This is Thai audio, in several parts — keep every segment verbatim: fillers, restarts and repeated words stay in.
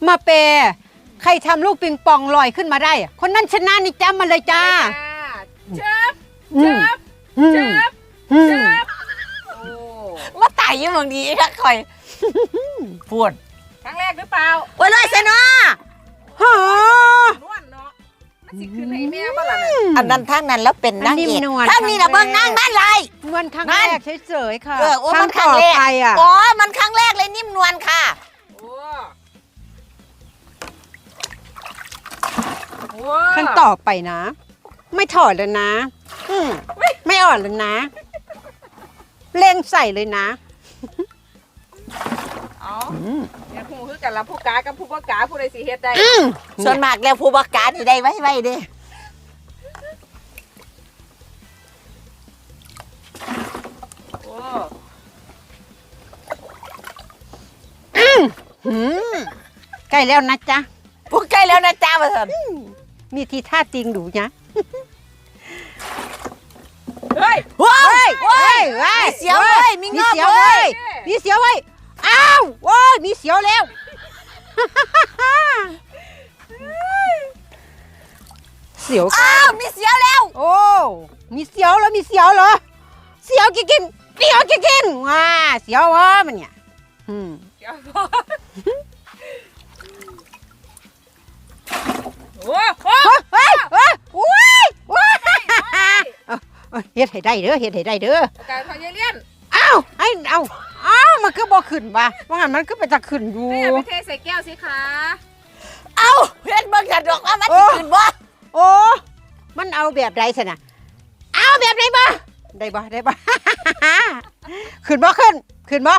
มาเปใครทำลูกปิงปองลอยขึ้นมาได้คนนั้นชนะนี่จำมาเลยจ้าเจ็บเจ็บเจ็บเจ็บมาไต่ยังบางดีค่ะคอยพูดครั้งแรกหรือเปล่าโอ้ยเลยเซนอฮะนวลเนาะมันสิขึ้นให้แม่บ้านละอันนั้นทั้งนั้นแล้วเป็นนางเอกทั้งนี้นะเบิ้งนางบ้านไรนวลครั้งแรกเฉยๆค่ะเออมันครั้งแรกอ๋อมันครั้งแรกเลยนิ่มนวลค่ะขั้นต่อไปนะไม่ถอดเลยนะไม่อ่อนเลยนะเล่งใส่เลยนะอ๋อเนี่ยผู้คือกันละผู้กากับผู้บ่กาผู้ใดสิเฮ็ดได้ส่วนมากแล้วผู้บ่กาที่ได้ไว้ไว้เด้โอ้ใกล้แล้วนะจ๊ะพวกใกล้แล้วนะจ๊ะมาเถอะมีทีท่าติงดูนะเฮ้ยเฮ้ยเฮ้ยมีเสียวเลยมีเงาเลยมีเสียวไว้อ้าวโอ้ยมีเสียวแล้วเสียวอ้าวมีเสียวแล้วโอ้มีเสียวแล้วมีเสียวเหรอเสียวกินกินเสียวกินกินว้าเสียววะมันเนี่ยอืมโอ้โหเฮ้ยเฮ้ยโอ้ยโอ้ยเฮ็ดให้ได้เด้อเฮ็ดให้ได้เด้อการพยาเลียนอ้าวไอ้เอาอ้าวมันก็บ่ขึ้นว่ะว่างั้นมันก็ไปจะขึ้นอยู่ไม่อยากไปเทใส่แก้วสิคะเอ้าเฮ็ดเบิ่งกันดอกว่ามันสิขึ้นบ่โอ้มันเอาแบบใดซะน่ะเอาแบบใดบ่ได้บ่ได้บ่ขึ้นบ่ขึ้นขึ้นบ่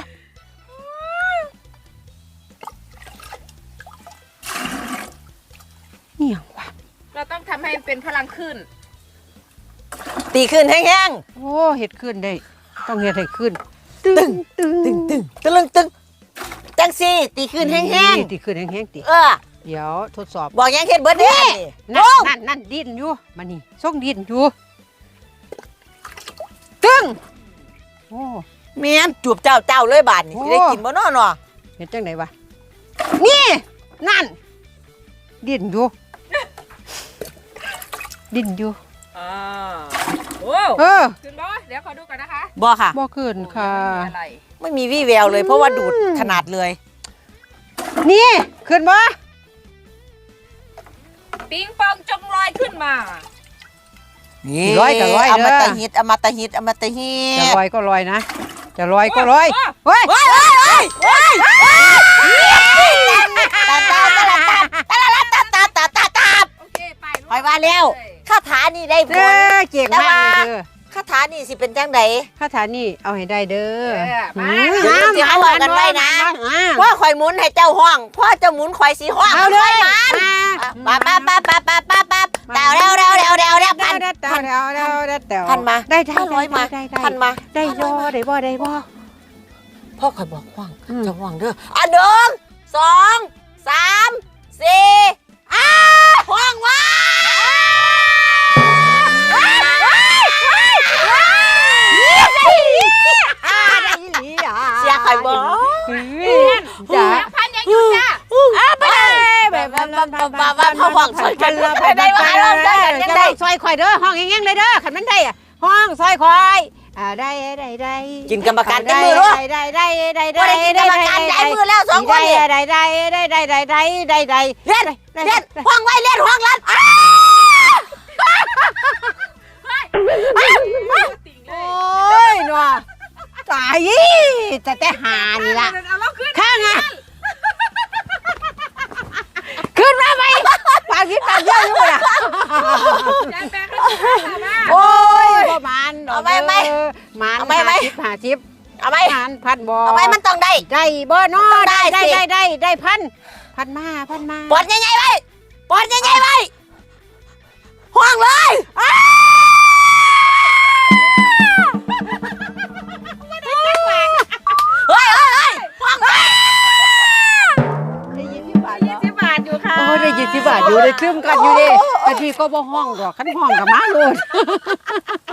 นี่ยังวะเราต้องทำให้เป็นพลังขึ้นตีขึ้นแห้งๆโอ้เฮ็ดขึ้นได้ต้องเฮ็ดให้ขึ้นตึงตึงตึงตึงตึงตึงจังสิตีขึ้นแห้งๆตีขึ้นแห้งๆติเออเดี๋ยวทดสอบบอกยังเฮ็ดเบิดเด้นั่นนั่นนั่นดิ้นอยู่มานี่ส่งดิ้นอยู่ตึงโอ้แม่นจูบเจ้าเจ้าเลยบาดนี่สิได้กินบ่น้อเนาะเฮ็ดจังได๋วะนี่นั่นดิ้นอยู่ดิ้นอยู่อ่าโอ้เออขึ้นบ่เดี๋ยวขอดูก่อนนะคะบ่ค่ะบ่ขึ้นค่ะไม่มีวี่แววเลยเพราะว่าดูดขนาดเลยนี่ขึ้นบ่ปิงปองจงลอยขึ้นมานี่ลอยก็ลอยอมตะฮิตอมตะฮิตอมตะฮิตจะลอยก็ลอยนะจะลอยก็ลอยเฮ้ยเฮ้ยเฮ้ยเฮ้ยตาตาตาตาตาตาตาตาตาตาโอเคไปไปว่าแล้วคาถานี่ได้ผลเก่งมากเลยเด้อคาถานี่สิเป็นจังไดคาถานี่เอาให้ได้เด้อมาสิเอากันไว้นะว่าข่อยหมุนให้เจ้าห้องพ่อเจ้าหมุนข่อยสีห้องเอาเลยมาปั๊บปั๊บปั๊บปั๊บปั๊บปั๊บเต่าเร็วเร็วเร็วเร็วเร็วพันเต่าเร็วเร็วเร็วเต่าพันมาได้ได้ร้อยมาพันมาได้ย่อได้บ่ได้บ่พ่อข่อยบอกห้องจะห้องเด้ออ่ะหนึ่งสองสามสี่อ้าห้องว่าเสียข่อยบอกจ้าพันยังอยู่จ้าอ้าไปเลยแบบบ้าบ้าบ้าบ้าพ่อห้องซอยกันได้ว่าเราได้กันได้ซอยข่อยเด้อห้องแง่งๆเลยเด้อขันมันได้ห้องซอยข่อยอ่าได้ได้ได้กินกรรมการได้มือรู้ได้ได้ได้ได้ได้ได้กรรมการได้มือแล้วสองคนนี่ได้ได้ได้ได้ได้ได้ได้ได้เล่นเล่นห้องไว้เล่นห้องรัดโอ้ยนัวตายแต่แต่หานี่ล่ะข้างอ่ะขึ้นมาไหมปากยิ้มปากเยอะอยู่ล่ะโอ้ยประมาณเอาไหมไหมมันเอาไหมไหมหาชิปเอาไหมพันพันบ่เอาไหมมันต้องได้ได้บ่น้อได้ได้ได้ได้ได้พันพันมาพันมาปอดใหญ่ๆไว้ปอดใหญ่ๆไว้ห้องเลยเฮ้ยเฮ้ยเฮ้ยห้องได้ยินที่บาทยี่สิบบาทอยู่ค่ะโอ้ได้ยินที่บาทอยู่ได้คลื่นกันอยู่ดิแต่ทีก็บ่ห้องดอกขันห้องกับม้าโลด